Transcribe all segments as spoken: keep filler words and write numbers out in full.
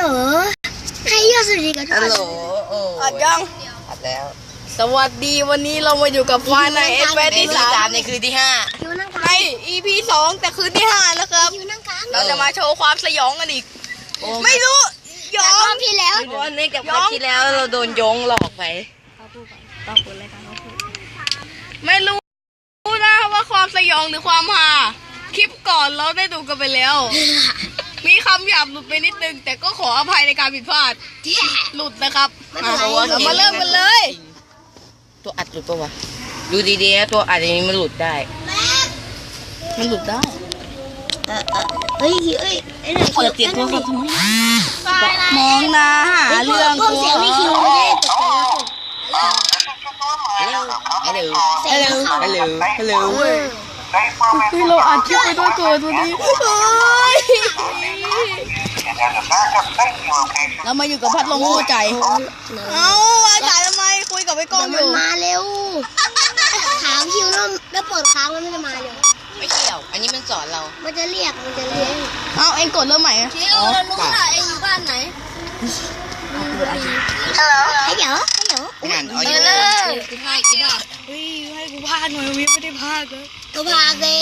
ให้ยอดสวัสดีกันทุกฮัลคนโหลโอ้อัดยังอัดแล้วสวัสดีวันนี้เรามาอยู่กับไฟในเอฟเอในที่ที่สาสาม มในคืนที่ห้าคิวนั่งกในลางอีพีสองแต่คืนที่ห้าแล้วครับคิวนั่งกลางเราจะมาโชว์ความสยองกันอีก ไม่รู้ยอรอมบที่แล้วเพราะว่าเนื่องจากครั้งที่แล้วเราโดนโยงหลอกไปไม่รู้นะว่าความสยองหรือความฮาคลิปก่อนเราได้ดูกันไปแล้ว มีคำหยาบหลุดไปนิดนึง แต่ก็ขออภัยในการผิดพลาดหลุดนะครับอ่ะเรามาเริ่มกันเลยตัวอัดหลุดปะวะดูดีๆนะตัวอัดอย่างนี้มันหลุดได้มันหลุดได้เออเออเฮ้ยเฮ้ยไอ้ไหนเปิดเสียงโทรศัพท์ทำไมมองหน้าหาเรื่องพวกเสียงไม่คิวไม่ได้ตกใจแล้วฮัลโหลเสียงเขาฮัลโหลฮัลโหลคือเราอัดคลิปไปด้วยตัวตัวนี้เรามาอยู่กับพัดลมคู่ใจ เอาวางสายทำไมคุยกับไอ้กล้องอมันยู่มาเร็วถามคิวแล้วแล้วเปิดค้างแล้วมันจะมาเร็วไม่เกี่ยวอันนี้มันสอนเรามันจะเรียกมันจะเรียกเอาเองกดเริ่มใหม่อะคิวเรารู้ว่าเองอยู่บ้านไหนฮัลโหลฮัลโหลฮัลโหลงานออเอดิอโอเลยกูพากกูพากเฮ้ยให้กูพากหน่อยวิไม่ได้พากเลยกูพากเลย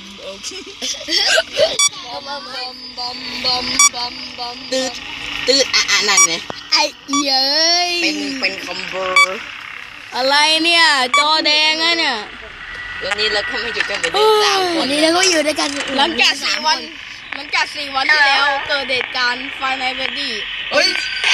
ตืดตืดอ่ะอ่ะนั่นไงไอ้เย้ยเป็นเป็นคอมโบอะไรเนี่ยจอแดงอะเนี่ยวันนี้เราก็มาอยู่กันเป็นสามควัน นนี้เราก็อยู่ด้วยกันหลังจากสี่วันหลังจากสี่วันที่แล้วเกิดเหตุการณ์ไฟในเบดดี้เฮ้ย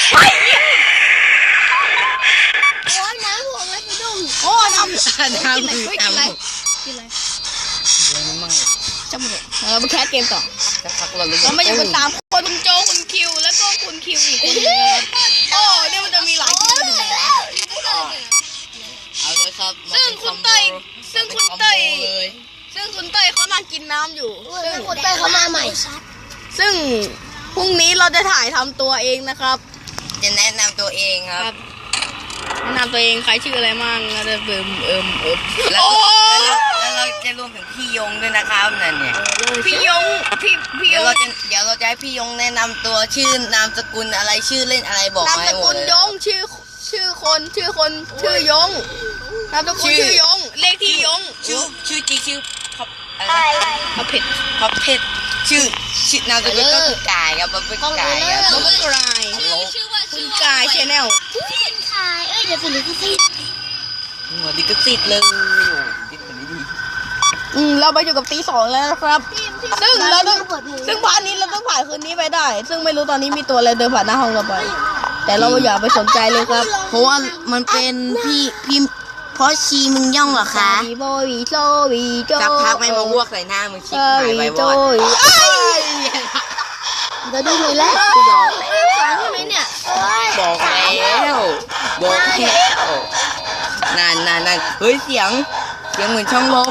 โอ้ยน้ำหัวแล้วกูดุ้งโอ้ทำน้ำคือเฮ้ยน้กินอะไรำกินอะไรมันมั่งจำเลยเรามาแคสเกมต่อสักพักเราเลยเรามาอยู่กันตามคนคุณโจคุณคิวแล้วก็คุณคิวอีกคนนึงนะครับโอ้เนี่ยมันจะมีหลายคิวอยู่แล้วเอาเลยครับซึ่งคุณเต้ยซึ่งคุณเต้ยเลยซึ่งคุณเต้ยเขานั่งกินน้ำอยู่ ซึ่งคนเต้ยเขามาใหม่ซึ่งพรุ่งนี้เราจะถ่ายทำตัวเองนะครับจะแนะนำตัวเองครับแนะนำตัวเองใครชื่ออะไรมั่งเราจะเบิ่มเอิมเอิมแล้วโอ้แล้วเราจะรวมถึงพี่ยงด้วยนะครับนั่นเนี่ยพี่ยงพี่พี่ยเดี๋ยวงเราจะเดี๋ยวเราจะให้พี่ยงแนะนำตัวชื่อนามสกุลอะไรชื่อเล่นอะไรบอกนามมาสให้หมกุดลเลยยงชื่อชื่อคนชื่อคนชื่อยงนามสกุลชื่อยงเลขที่ยงชื่อชื่อจริงชื่อพับอะไรเอาเผ็ดพับเพชรชื่อชื่อนามสกุลก็คือกายครับมันเป็นกายครับเขาเป็นกลายฮัลโหลคุณกายชแนลขายเอ้ยเดี๋ยวสิเดี๋ยวสิหัวดิกติดเลยดิกมันดีอืมเราไปอยู่กับตีสองแล้วนะครับ ซึ่งเราต้องซึ่งพาร์ทนี้เราต้องผ่านคืนนี้ไปได้ ซึ่งไม่รู้ตอนนี้มีตัวอะไรเดินผ่านหน้าห้องเราไป แต่เราอย่าไปสนใจเลยครับเพราะว่ามันเป็นพี่พี่เพราะชีมึงย่องเหรอคะวีโบวีโซวีโจสักพักไม่มาอ้วกใส่หน้ามึงชิบเอหายวีไปโจวอดจะดูเลยแล้วกูบอกขายใช่ไหมเนี่ยเอ้ยบอกแล้วบอกแล้วนานนานนานเฮ้ยเสียงเสียงเหมือนช่องลม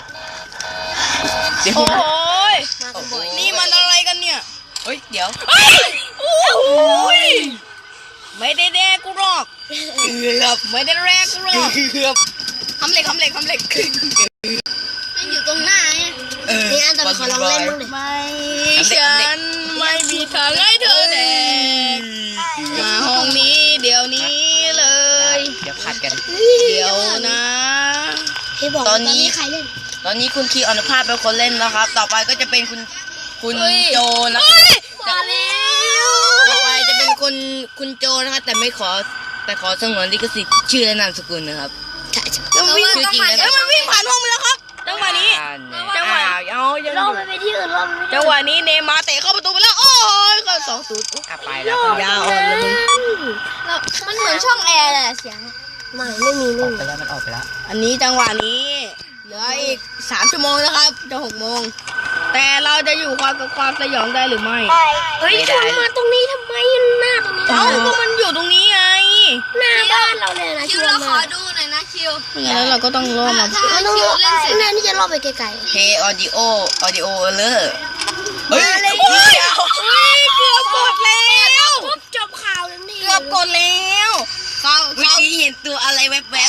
เสียงโอ้ยมากันบ่อยนี่มันอะไรกันเนี่ยเฮ้ยเดี๋ยวเฮ้ยโอ้ยไม่ได้แดกกูหรอกเกือบไม่ได้แรกกูหรอกเกือบทำเหล็กทำเหล็กทำเหล็กมันอยู่ตรงหน้าเนี่ยนี่อันตอนขอลองเล่นบ้างดิไม่ฉันไม่มีทางให้เธอแดกมาห้องนี้เดี๋ยวนี้เลยเดี๋ยวผัดกันเดี๋ยวนะพี่บอกตอนนี้ใครเล่นตอนนี้คุณคีอนุภาพเป็นคนเล่นแล้วครับ ต่อไปก็จะเป็นคุณคุณโจนะครับมาแล้วต่อไปจะเป็นคุณคุณโจนะครับแต่ไม่ขอแต่ขอสงวนลิขสิทธิ์ชื่อและนามสกุลนะครับใช่ใช่มันวิ่งชื่อจริงนะเอ้ยมันวิ่งผ่านห้องไปแล้วครับจังหวะนี้ จังหวะอ้าวเอายังรอบไปไปที่อื่นรอบไปจังหวะนี้เนย์มาร์เตะเข้าประตูไปแล้วโอ้ยก็สองศูนย์อ่ะไปแล้วยาวอ่อนเลยมึงมันเหมือนช่องแอร์เลยเสียงไม่ไม่มีอไม่อกมีไปแล้วมันออกไปแล้วอันนี้จังหวะนี้เหลืออีกสามชั่วโมงนะครับจะหกโมงแต่เราจะอยู่ความกับความสยองได้หรือไม่เฮ้ยชวนมาตรงนี้ทำไมหน้าตรงนี้เอ้าก็มันอยู่ตรงนี้ไงหน้าบ้านเราเลยนะชวนมาไม่งั้นแล้วเราก็ต้องล่อมามันต้องแม่นี่จะรอบไปไกลเฮออดิโอออดิโอเลอร์เฮ้ยโอ้ยโอ้ยเกือบกดแล้วๆจบข่าวแล้วนี่เกือบกดแล้วเขาเมื่อเขากี้เห็นตัวอะไรแวบมา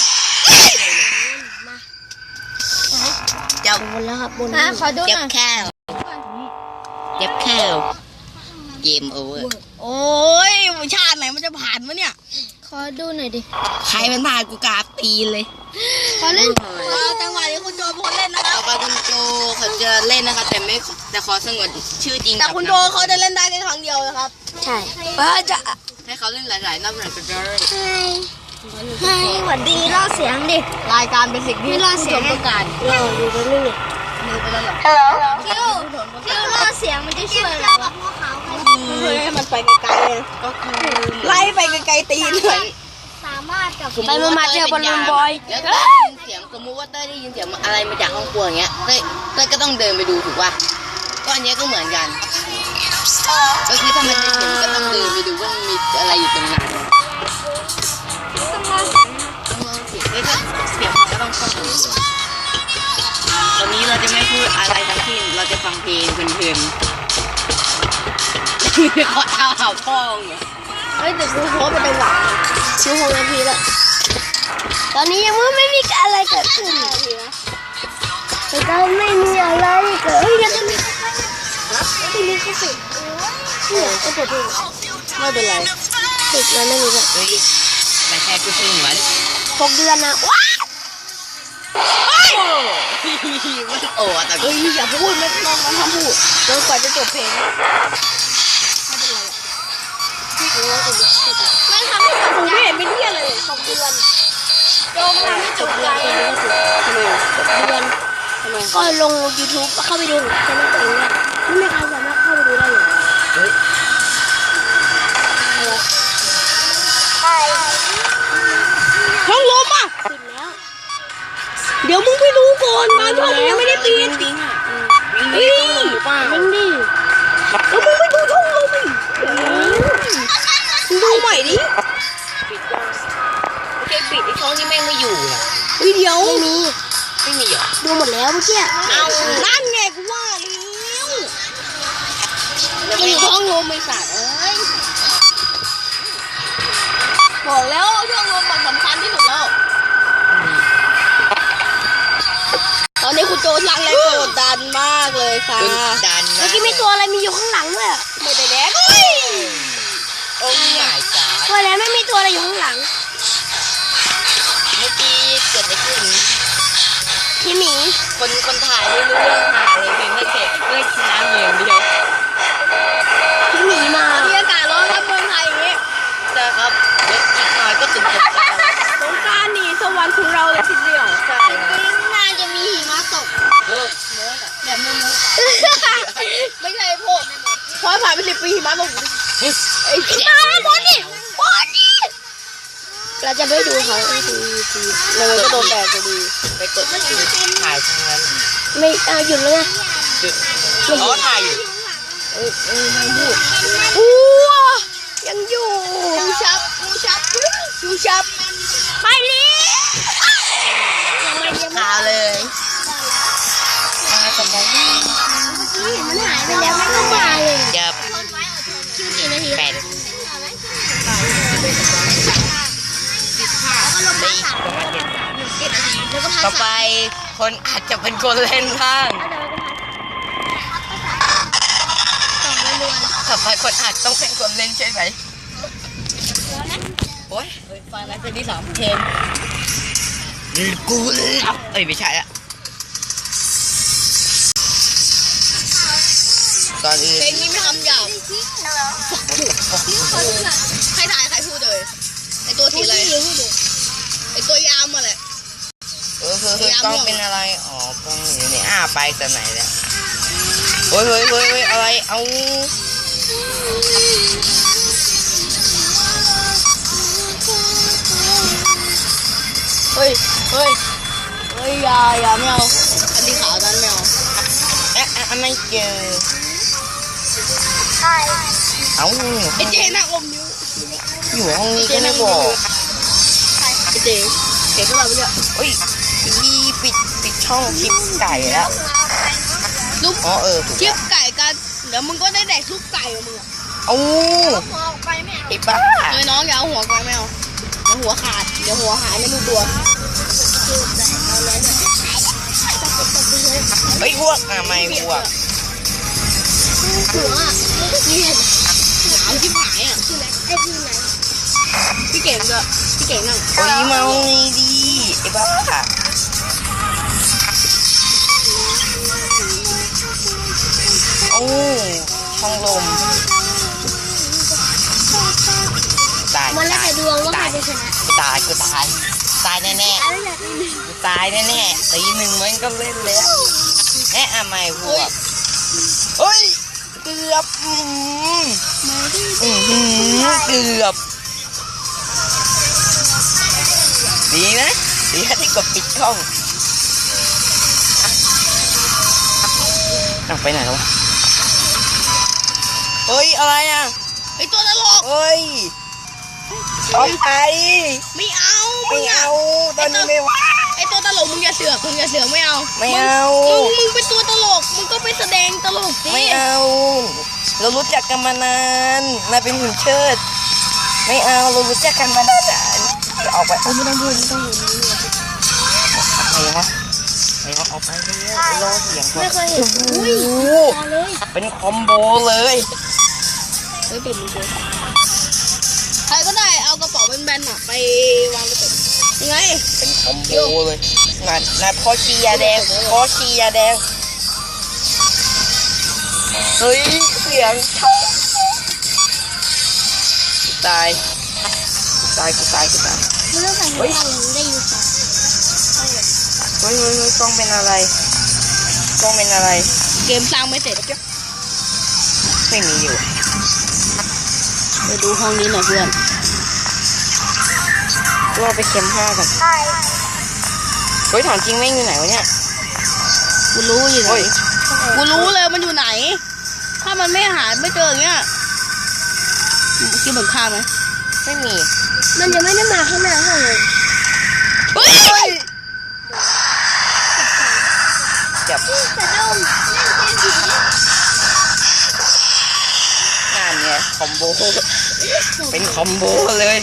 ๆจับบนแล้วครับบนขอดูหจับน่อยแค่วจับแค่วเกมโอเวอร์โอ้ชาติไหนมันจะผ่านวะเนี่ยขอดูหน่อยดิใครเป็นผ่านกูกราบตีนเลยขอเล่นเอาจังหวะนี้คุณโจเป็นคนเล่นนะครัต่อบ ไปคุณโจเขาจะเล่นนะคะแต่ไม่แต่ขอสงวนชื่อจริงแต่คุณโจเขาจะเล่นได้แค่ครั้งเดียวนะครับใช่เออจะให้เขาเล่นหลายๆรอบหน่อยก็ได้ให้หวัดดีล่อเสียงดิรายการเป็นสิ่งที่ไม่รอดเสียงผู้ชมต้องการรออยู่ตรงนี้มือไปแล้วเหรอฮัลโหลคิวคิวล่อเสียงมันจะช่วยอะไรวะเฮ้ยให้มันไปไกลๆเลยก็คือไล่ไปไกลๆตีนเลยสามารถกับไปมามาเจอบอลลูนบอยแล้วก็ได้ยินเสียงสมมุติว่าเต้ยได้ยินเสียงอะไรมาจากห้องครัวอย่างเงี้ยเต้ยเต้ยก็ต้องเดินไปดูถูกป่ะก็อันเนี้ยก็เหมือนกันก็คือถ้ามันได้เสียงก็ต้องเดินไปดูว่ามันมีอะไรอยู่ตรงนั้นต้องล่อเสียงต้องลองเสียงเต้ยก็เสียงก็ต้องเข้าหูตอนนี้เราจะไม่พูดอะไรทั้งสิ้นเราจะฟังเพลงเพลินๆขอเท้าหาพ่องเหรอเฮ้ยแต่ดูโพสเป็นจังหวะดูหกนาทีแล้วตอนนี้ยังไม่มีอะไรเกิดขึ้นแต่ก็ไม่มีอะไรเกิดเฮ้ยยังไม่มีที่นี่เขาปิดเนี่ยก็ปิดอยู่ไม่เป็นไรปิดแล้วไม่มีแบบเฮ้ยแต่แค่กูเพิ่งเหมือนหกเดือนนะว้ามันโอ้แต่เฮ้ยอย่าพูดไม่ต้องมันทำพูดจนกว่าจะจบเพลงไม่ทำให้จบกูใจไม่เห็นเป็นเที่ยอะไรเลยหกเดือนโยมทำให้จบใจทำไมหกเดือนก็ลง YouTube เข้าไปดูช่องตัวเองเนี่ยไม่มีใครสามารถเข้าไปดูได้เลยเฮ้ยช่องลมอ่ะปิดแล้วเดี๋ยวมึงไปดูก่อนมาช่องยังไม่ได้ปิดวิ่งอ่ะเฮ้ยวิ่งดิแล้วมึงไปดูช่องลมอีกมึงดูใหม่ดิโอเคปิดไอ้ช่องที่แม่งไม่อยู่อ่ะเฮ้ยเดี๋ยวไม่มีไม่มีเหรอดูหมดแล้วเมื่อกี้เอานั่นไงกูว่าแล้วมีช่องลมไม่สัตว์เอ้ยบอกแล้วช่องลมมันสำคัญที่สุดแล้วตอนนี้คุณโจลังเลยโกรธดันมากเลยค่ะคุณดันเมื่อกี้มีตัวอะไรมีอยู่ข้างหลังด้วยไม่ได้แดกโอ้ยหายจ้าว่าแล้วไม่มีตัวอะไรอยู่ข้างหลังเมื่อกี้เกิดอะไรขึ้นพี่หมีคนคนถ่ายไม่รู้เรื่องถ่ายเลยเพียงแค่เก็บเพื่อน้ำเหลืองเดียวพี่หมีมามีอากาศร้อนครับเมืองไทยอย่างนี้ใช่ครับเดี๋ยวอีกหน่อยก็ถึงสงกรานต์แล้วสงกรานต์นี่สวรรค์ของเราเลยทีเดียวใช่ครับน่าจะมีหิมะตกเออแบบไม่รู้ไม่ใช่พวกพอผ่านไปสิบปีหิมาตกไอ้ตายบอลนี่บอลนี่เราจะไม่ดูเขาทีทีเลยก็โดนแดดจะดีไปกดถ่ายทางนั้นไม่เอาหยุดแล้วไงจุดอ๋อถ่ายอยู่เออเออไม่พูดอู้ยังอยู่ชูชับชูชับชูชับไปลิยังไม่ยังไม่ข่าวเลยมาตรงนี้มันหายไปแล้วไม่ก็มาเลยจะคิวกี่นาทีแปดแล้วก็ลงมาสามประมาณเจ็ดแล้วก็พักต่อไปคนอาจจะเป็นคนเล่นบ้างสองเดือนต่อไปคนอาจต้องเป็นคนเล่นใช่ไหมโอ้ยฟังแล้วจะที่สามเทนกูรับเอ้ยไม่ใช่ละตอนอื่นเพลงนี้ไม่คำหยาบใครถ่ายใครพูดเลยไอตัวทีอะไรไอตัวยามมาแหละเออเฮ้ยเฮ้ยกล้องเป็นอะไรอ๋อกล้องอยู่นี่อ้าไปแต่ไหนแล้วเฮ้ยเฮ้ยเฮ้ยเฮ้ยอะไรเอาเฮ้ยเฮ้ยเฮ้ยอย่าอย่าไม่เอาอันนี้ขาวนั้นไม่เอาเอ๊ะอ่ะไม่เจอใช่เอ้าไอเจน่าอมนิ้วอยู่ห้องนี้ก็ไม่บอกไอเจเห็นพวกเราไปเนี่ยเฮ้ยอีปิดปิดช่องคลิปไก่แล้วลูกอ๋อเออถูกเชียบไก่กันเดี๋ยวมึงก็ได้แดกทุกไก่ของมึงอะเอ้าหัวออกไปไม่เอาไอ้บ้าเฮ้ยน้องอย่าเอาหัวไปไม่เอาเดี๋ยวหัวขาดเดี๋ยวหัวหายไม่รู้ตัวเฮ้ยอ้วกอ่ะไม่อ้วกหัวนี่เห็นหนาวชิบหายอ่ะไอ้พี่พี่เก่งด้วยพี่เก่งนั่งโอ้ยเมาไงดีไอ้บ้าโอ้ช่องลมตายมันแล้วแต่ดวงว่าใครตายจะชนะกูตายกูตายตายแน่แน่อะไรแบบนี้ๆกูตายแน่แน่ๆตีหนึ่งมันก็เล่นแล้วแน่อะไม่พวกเฮ้ยเกือบอืมมาดิอือหือเกือบดีนะดีนะที่กดปิดกล้องอ่ะไปไหนแล้ววะเฮ้ยอะไรอ่ะไอตัวตลกเฮ้ยออกไปไม่เอาไม่เอาตอนนี้ไม่ว่าไอตัวตลกมึงอย่าเสือกมึงอย่าเสือกไม่เอาไม่เอามึงมึงเป็นตัวตลกมึงก็ไปแสดงตลกสิไม่เอา เรารู้จักกันมานานนายเป็นหุ่นเชิด ไม่เอาเรารู้จักกันมานานจะออกไปไม่ต้องพูดไม่ต้องพูดอะไรวะอะไรวะออกไปเลยรอเสียงก่อนไม่เคยเห็นอุ้ยโอ้โหมาเลยเป็นคอมโบเลยเฮ้ยเป็นมึงเจอใครก็ได้เอากระเป๋าแบนๆอ่ะไปวางไว้ตรงยังไงเป็นคอมโบเลยงานงานพอชียาแดงพอชียาแดงเฮ้ยเสียงกูตายกูตายกูตายกูตายไม่ต้องใส่หัวเราได้ยินค่ะเฮ้ยเฮ้ยเฮ้ยกล้องเป็นอะไรกล้องเป็นอะไรเกมสร้างไม่เสร็จไม่มีอยู่ไปดูห้องนี้หน่อยเพื่อนก็ไปเข็มห้ากันเฮ้ยถามจริงแม่งอยู่ไหนวะเนี่ยกูรู้อยู่ไหนเฮ้ยกูรู้เลยมันอยู่ไหน ถ้ามันไม่หาไม่เจออย่างเงี้ยคิดเหมือนข้าไหมไม่มีมันจะไม่ได้มาข้างหน้าห้องเลยเฮ้ยจับแต่ดมเล่นเกมผีงานเนี่ยคอมโบเป็นคอมโบเลย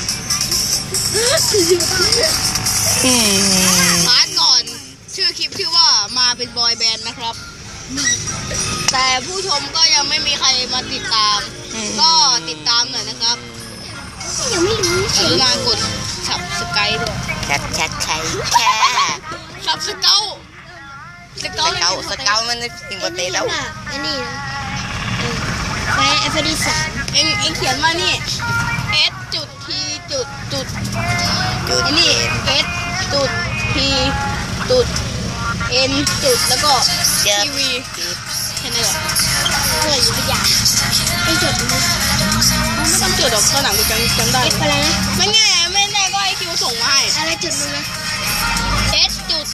อืมพาร์ทก่อน ชื่อคลิปชื่อว่ามาเป็นบอยแบนด์นะครับ แต่ผู้ชมก็ยังไม่มีใครมาติดตาม ก็ติดตามหน่อยนะครับยังไม่รู้กรุณากดสับสไกด์ด้วยแชทแชทใช้แชร์สับสเกลสสเกลเกลสเกลมันในสิงคโปร์แล้วอันนี้นะไปเอฟดีสามเอ็งเอ็งเขียนมานี่ S จุด T จุดจุดจุดนี่ S จุด T จุด N จุดแล้วก็เจ็บทีวีแค่นี้แหละเพื่ออยู่ทุกอย่างไอ้จดมันไม่ต้องจดหรอกตอนหลังกูจำจำได้เอฟอะไรนะไม่ไงไม่แน่ก็ไอคิวส่งมาให้อะไรจุดมึงนะเ